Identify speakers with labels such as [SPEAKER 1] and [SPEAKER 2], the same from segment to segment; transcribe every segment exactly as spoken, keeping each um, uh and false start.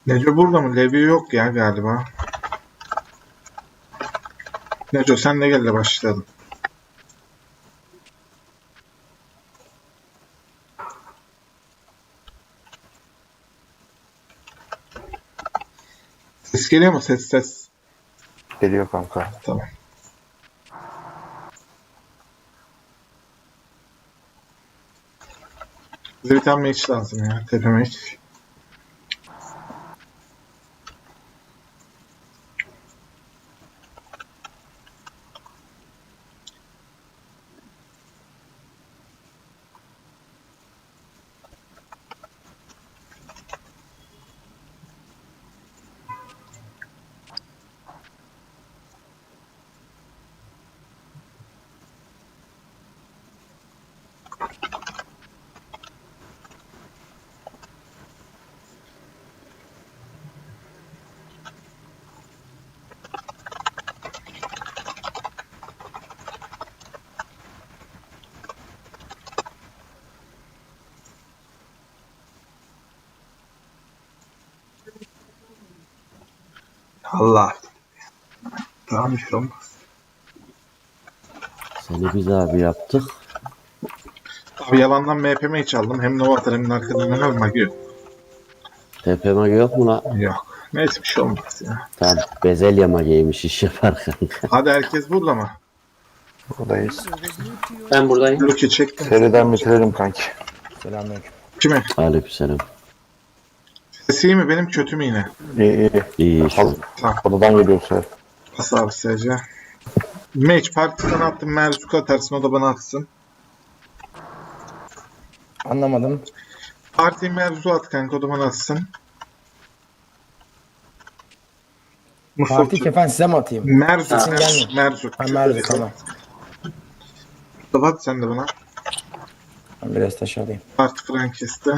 [SPEAKER 1] Neco burada mı? Levi yok ya galiba. Neco sen de gel de başlayalım. Ses geliyor mu? Ses ses.
[SPEAKER 2] Geliyor kanka.
[SPEAKER 1] Tamam. Bize bir tane mage lazım ya. Tepe mage. Allah. Tamam bir şey olmaz.
[SPEAKER 3] Seni biz abi yaptık.
[SPEAKER 1] Abi yalandan M P mage çaldım. Hem Novator hem de arkadan hemen mage yok.
[SPEAKER 3] T P mage yok mu lan?
[SPEAKER 1] Yok. Neyse bir şey olmaz ya.
[SPEAKER 3] Tamam. Bezelye mageymiş iş yapar kanka.
[SPEAKER 1] Hadi herkes burada mı?
[SPEAKER 2] Buradayız.
[SPEAKER 4] Ben buradayım.
[SPEAKER 1] Luki çektim.
[SPEAKER 2] Seriden bitirelim kanki.
[SPEAKER 5] Selamünaleyküm.
[SPEAKER 1] Kime?
[SPEAKER 3] Aleykümselam.
[SPEAKER 1] Sesi iyi mi? Benim kötü mü yine?
[SPEAKER 2] İyi iyi.
[SPEAKER 3] İyi şu an.
[SPEAKER 1] Tamam.
[SPEAKER 2] Odadan geliyor ser.
[SPEAKER 1] Bas abi sadece. Mage partiden attım. Merzuka atarsın. O da bana atsın.
[SPEAKER 5] Anlamadım.
[SPEAKER 1] Partiyi Merzu at kanka. O da bana atsın. Mustafa.
[SPEAKER 5] Parti kefen size mi atayım?
[SPEAKER 1] Merzu.
[SPEAKER 5] Sesin
[SPEAKER 1] Merzu.
[SPEAKER 5] gelmiyor.
[SPEAKER 1] Merzu.
[SPEAKER 5] Ha, Merve tamam.
[SPEAKER 1] Mustafa at sen de bana.
[SPEAKER 5] Ben biraz taş alayım.
[SPEAKER 1] Parti Frankist'te.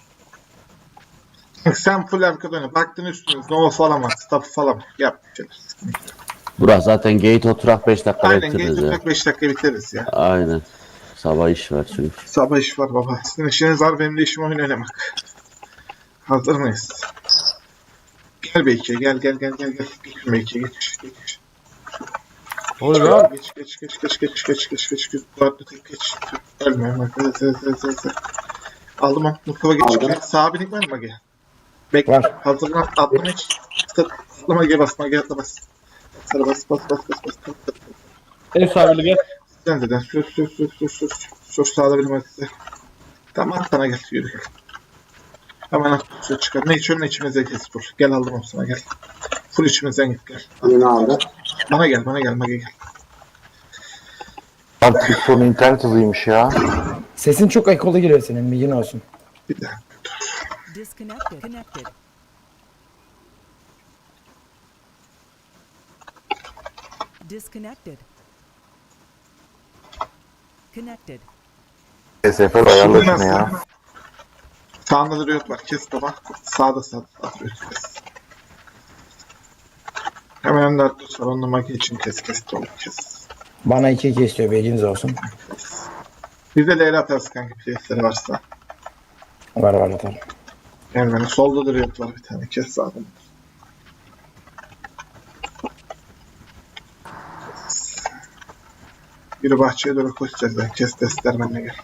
[SPEAKER 1] Sen full arka döne. Baktın üstüne. Nova falan var. Staff falan var. Yap bir şeyler.
[SPEAKER 3] Burak zaten gate oturak beş dakika
[SPEAKER 1] Aynen.
[SPEAKER 3] bekleriz
[SPEAKER 1] Geç
[SPEAKER 3] ya.
[SPEAKER 1] oturak beş dakika biteriz ya.
[SPEAKER 3] Aynen. Sabah iş var çünkü.
[SPEAKER 1] Sabah iş var baba. Sizin işiniz var. Benim de işim oyun oynamak. Hazır mıyız? Gel Beyki'ye. Gel gel gel gel. gel. Geç Beyki'ye. Geç. Geç.
[SPEAKER 5] Oluyor lan.
[SPEAKER 1] Geç geç geç geç geç geç geç geç geç Dörtlü tek geç. Ölme ölme. Evet evet evet evet. Aldım onu. Mustafa geç.
[SPEAKER 4] Aldım.
[SPEAKER 1] Geç. Sağa binik var mı Mage? Bekle.
[SPEAKER 5] Var.
[SPEAKER 1] Hazırlan. Atlama hiç. Atla Mage'ye bas. Mage'ye atla bas. Sarı bas bas bas bas bas. bas.
[SPEAKER 4] En sabirli gel.
[SPEAKER 1] Sen de sür sür sür sür sür. Sür sağda bilim hadi. Tamam at bana gel. Yürü. Hemen at. Sür çıkar. Ne içiyorsun ne içimize kes full. Gel aldım onu sana gel. Full içimizden git gel.
[SPEAKER 4] Yine aldı.
[SPEAKER 1] Bana gel bana gel Mage gel.
[SPEAKER 2] Lan Twitter'ın internet hızıymış ya.
[SPEAKER 5] Sesin çok ekolu geliyor senin, bilgin olsun.
[SPEAKER 1] Bir daha.
[SPEAKER 6] Disconnected. Connected. Disconnected. Connected.
[SPEAKER 2] S F L ayarla şunu ya.
[SPEAKER 1] Sağında da Riot var. Kes baba. Sağda sağda. Sağda Riot kes. Hemen önde Arthur var. Onunla Mage için kes kes. Doğru kes.
[SPEAKER 5] Bana iki iki istiyor, bilginiz olsun.
[SPEAKER 1] Bir de Leyla atarsın kanka. Place'leri varsa.
[SPEAKER 5] Var var atarım.
[SPEAKER 1] Yani benim solda da Riot var bir tane. Kes sağda. Biri bahçeye doğru koşacağız. Ben kes destler benimle gel.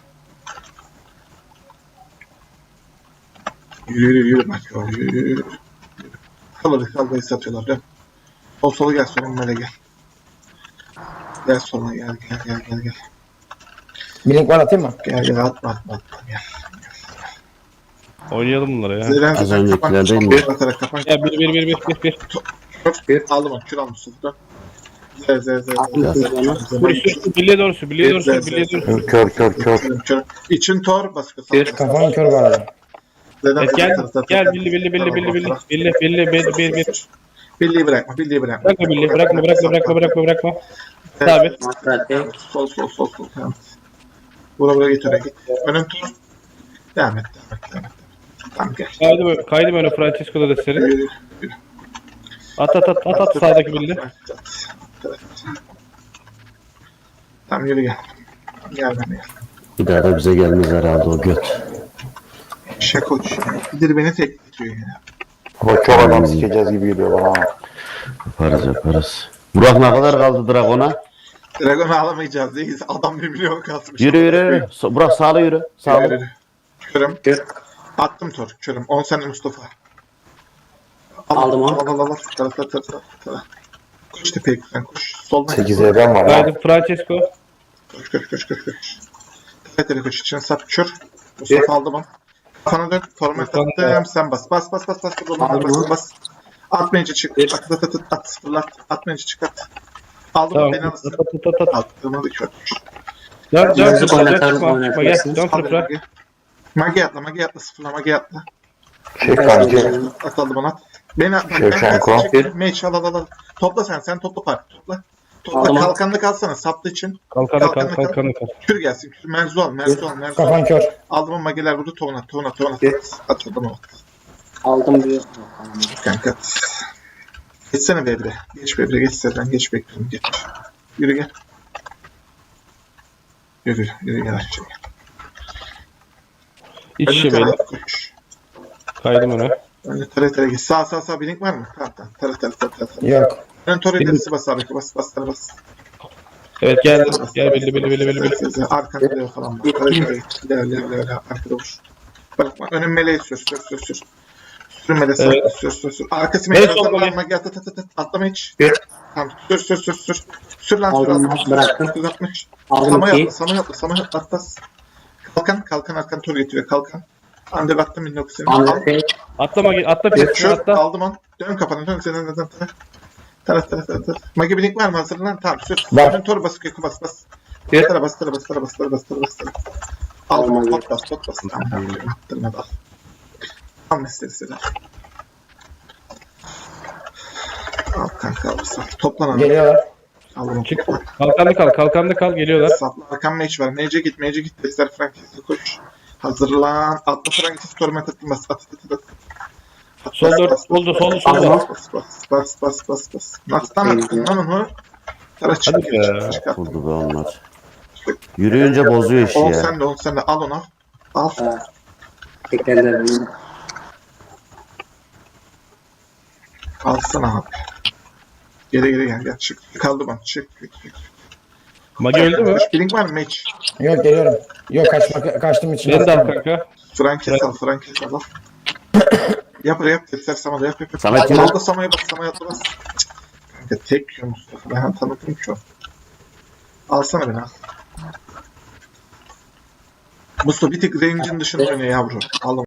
[SPEAKER 1] Yürü yürü yürü bak yürü yürü yürü. Kal hadi kal base atıyorlar dön. Sol sola gel sonra böyle gel. Gel sonra gel gel gel gel gel.
[SPEAKER 5] Bir link var, atayım mı?
[SPEAKER 1] Gel gel atma atma atma gel.
[SPEAKER 7] Oynayalım bunları ya.
[SPEAKER 1] Zeren
[SPEAKER 3] Az
[SPEAKER 1] zaten
[SPEAKER 3] öncekiler
[SPEAKER 1] kapan.
[SPEAKER 3] değil mi?
[SPEAKER 1] Bir atarak kapan.
[SPEAKER 7] Ya bir bir bir bir bir bir.
[SPEAKER 1] Bir. Aldım onu kür almışsın dön. Z z z z.
[SPEAKER 7] Vur üstü birliğe doğrusu birliğe doğrusu birliğe doğrusu.
[SPEAKER 2] Kör kör kör.
[SPEAKER 1] Kör. İçin tor baskı.
[SPEAKER 5] Kafanın kör var orada.
[SPEAKER 7] Evet, gel gel billi billi billi billi billi billi billi bir bir bir.
[SPEAKER 1] Birliği bırakma, birliği bırakma.
[SPEAKER 7] Bırakma billi bırakma bırakma bırakma bırakma bırakma. Sabit.
[SPEAKER 4] Matrate.
[SPEAKER 1] Sol sol sol sol. Devam et. Bura bura git oraya git. Önüm tur. Devam et, devam et, devam et. Tamam gel.
[SPEAKER 7] Kaydı böyle kaydı böyle Francisco'da da seri.
[SPEAKER 1] Yürü, yürü.
[SPEAKER 7] At at at at at sağdaki billi.
[SPEAKER 1] Evet. Tamam yürü gel. Gel bana gel.
[SPEAKER 3] Bir daha da bize gelmez herhalde o göt.
[SPEAKER 1] Şakoç. Bilir beni tekletiyor ya.
[SPEAKER 2] Ama çok adam sikeceğiz gibi geliyor bana.
[SPEAKER 3] Yaparız yaparız. Burak ne kadar kaldı Dragon'a?
[SPEAKER 1] Dragon'u alamayacağız değil. Adam bir milyon kasmış.
[SPEAKER 3] Yürü yürü yürü. So- Burak sağlı yürü.
[SPEAKER 1] Yürü,
[SPEAKER 3] Sağlı.
[SPEAKER 1] yürü. Körüm.
[SPEAKER 4] Kür.
[SPEAKER 1] Attım tor. Körüm. on saniye Mustafa.
[SPEAKER 4] Aldım onu.
[SPEAKER 1] Al al al. al. Tara tara tara tara, tara. Koş tepeye sen koş. Soldan.
[SPEAKER 2] sekize ben var ya.
[SPEAKER 7] Haydi Francesco.
[SPEAKER 1] Koş koş koş koş koş. Tepeye tepeye koş. İçine sap kör. Mustafa aldı bana. Kafana dön. Format
[SPEAKER 7] Mustafa.
[SPEAKER 1] attım. Sen bas. Bas bas bas bas. Bas bas bas. bas. Atmayınca çık.
[SPEAKER 4] Bir.
[SPEAKER 1] At at at at. At sıfırlat. Atmayınca çık at. Aldım
[SPEAKER 7] Tamam.
[SPEAKER 1] beni alırsın.
[SPEAKER 7] At, at, at, at.
[SPEAKER 1] Attığımı da körmüş.
[SPEAKER 7] Dön dön.
[SPEAKER 4] Yazık
[SPEAKER 7] Dön
[SPEAKER 4] oynatarız,
[SPEAKER 7] çıkma. Bak gel.
[SPEAKER 4] oynatarsın.
[SPEAKER 7] Dön
[SPEAKER 1] Al beni
[SPEAKER 7] fırfıra.
[SPEAKER 1] Magi. Magi atla. Magi atla. Sıfırla. Magi atla.
[SPEAKER 2] Şey kanki.
[SPEAKER 1] At aldı bana at. Beni at.
[SPEAKER 2] Şevçenko.
[SPEAKER 1] Meç al al al. Topla sen. Sen topla park. Topla. Topla.
[SPEAKER 4] Aldım.
[SPEAKER 1] Kalkanlı kalsana. Saplı için.
[SPEAKER 7] Kalkanı kal kalkanı kal.
[SPEAKER 1] Kür gelsin. Kür. Merzu al. Merzu al. Merzu al.
[SPEAKER 5] Kafan kör.
[SPEAKER 1] Aldım ama Magiler vurdu. Tovuna. Tovuna. Tovuna. At aldım ama.
[SPEAKER 4] Aldım bir.
[SPEAKER 1] Kanka. Geçsene Bebre. Geç Bebre. Geç Serden. Geç bekliyorum. Geç. Yürü gel. Yürü. Yürü gel aşağı.
[SPEAKER 7] İç
[SPEAKER 1] Önüne
[SPEAKER 7] işe
[SPEAKER 1] tara.
[SPEAKER 7] böyle.
[SPEAKER 1] Koş.
[SPEAKER 7] Kaydım öne.
[SPEAKER 1] Önüne tara tara geç. Sağ sağ sağ. Blink var mı? Tamam tamam. Tara tara tara tara.
[SPEAKER 5] Yok.
[SPEAKER 1] Ön tor ilerisi bas abi. Bas bas tara bas.
[SPEAKER 7] Evet gel. Gel belli belli belli belli belli.
[SPEAKER 1] Arkanda da falan var. İlerle ilerle ilerle. Arkada vur. Bırakma. Önün meleği sür sür sür sür. Sürün meleği sür
[SPEAKER 7] Evet.
[SPEAKER 1] sür sür sür. Arkası
[SPEAKER 7] Evet,
[SPEAKER 1] meleği
[SPEAKER 7] sol meleği.
[SPEAKER 1] sür. At at at at. Atlama hiç.
[SPEAKER 4] Bir.
[SPEAKER 1] Tamam. Sür sür sür sür. Sür lan sür.
[SPEAKER 4] Aldım,
[SPEAKER 1] Aldım.
[SPEAKER 4] bıraktım.
[SPEAKER 1] dokuz altmış.
[SPEAKER 4] Aldım
[SPEAKER 1] Sama
[SPEAKER 4] iki.
[SPEAKER 1] yapma. Sama yapma. Sama yapma. Atlas. Kalkan. Kalkan arkan tur getiriyor. Kalkan. Ande baktım bin dokuz yüz.
[SPEAKER 4] Aldım bir.
[SPEAKER 7] Atla Magi. Atla bir.
[SPEAKER 1] Şu
[SPEAKER 7] Atla.
[SPEAKER 1] aldım on. Dön kafanı. Dön senin neden tara. Tara tara tara tara. Magi blink var mı hazırlan? Tamam sür.
[SPEAKER 5] Var.
[SPEAKER 1] Dön tor basık yakı bas bas.
[SPEAKER 4] Bir.
[SPEAKER 1] Tara bas tara bas tara bas tara bas tara bas tara. Aldım
[SPEAKER 4] Aldım.
[SPEAKER 1] pot bas pot bas. Tamam tamam. Attırma da al. Al meselesi. Al kanka alırsan. Toplan abi.
[SPEAKER 5] Geliyorlar.
[SPEAKER 1] Aldım.
[SPEAKER 7] Çık. Kalkanlı kal. Kalkanlı kal. Geliyorlar.
[SPEAKER 1] Sapla arkan mage var. Mage'e git. Mage'e git. Dexter Frankis'e koş. Hazırlan. Atla Frankis'i torment attım. Bas. At at at at. At,
[SPEAKER 7] Sol
[SPEAKER 1] bas,
[SPEAKER 7] dört.
[SPEAKER 1] bas,
[SPEAKER 7] Soldu
[SPEAKER 1] bas,
[SPEAKER 7] soldu
[SPEAKER 1] bas,
[SPEAKER 7] soldu.
[SPEAKER 4] Aldım.
[SPEAKER 1] Bas bas bas bas bas bas. Nastan attın lan onu. Tara çık.
[SPEAKER 7] Hadi be.
[SPEAKER 1] Çık at.
[SPEAKER 3] Vurdu be onlar. Yürüyünce bozuyor işi
[SPEAKER 1] On
[SPEAKER 3] ya.
[SPEAKER 1] sen de on sen de. Al onu. Al.
[SPEAKER 4] Tekrarlar.
[SPEAKER 1] Alsana abi. Geri geri gel. Gel çık. Kaldı bana. Çık. Çık. Çık.
[SPEAKER 7] Magi öldü mü?
[SPEAKER 1] Blink var mı mage?
[SPEAKER 5] Yok geliyorum. Yok kaçma, kaçtım için.
[SPEAKER 7] Beni de al kanka.
[SPEAKER 1] Frankes al. Frankes al. al. Yap yap. Dexter Sama'da yap yap. yap.
[SPEAKER 3] Samet yap.
[SPEAKER 1] Solda Sama'ya bas. Sama'ya atla bas. Kanka tek yiyor Mustafa. Ben tanıdım ki o. Alsana beni al. Mustafa bir tık range'in dışında oynuyor yavrum. Al onu.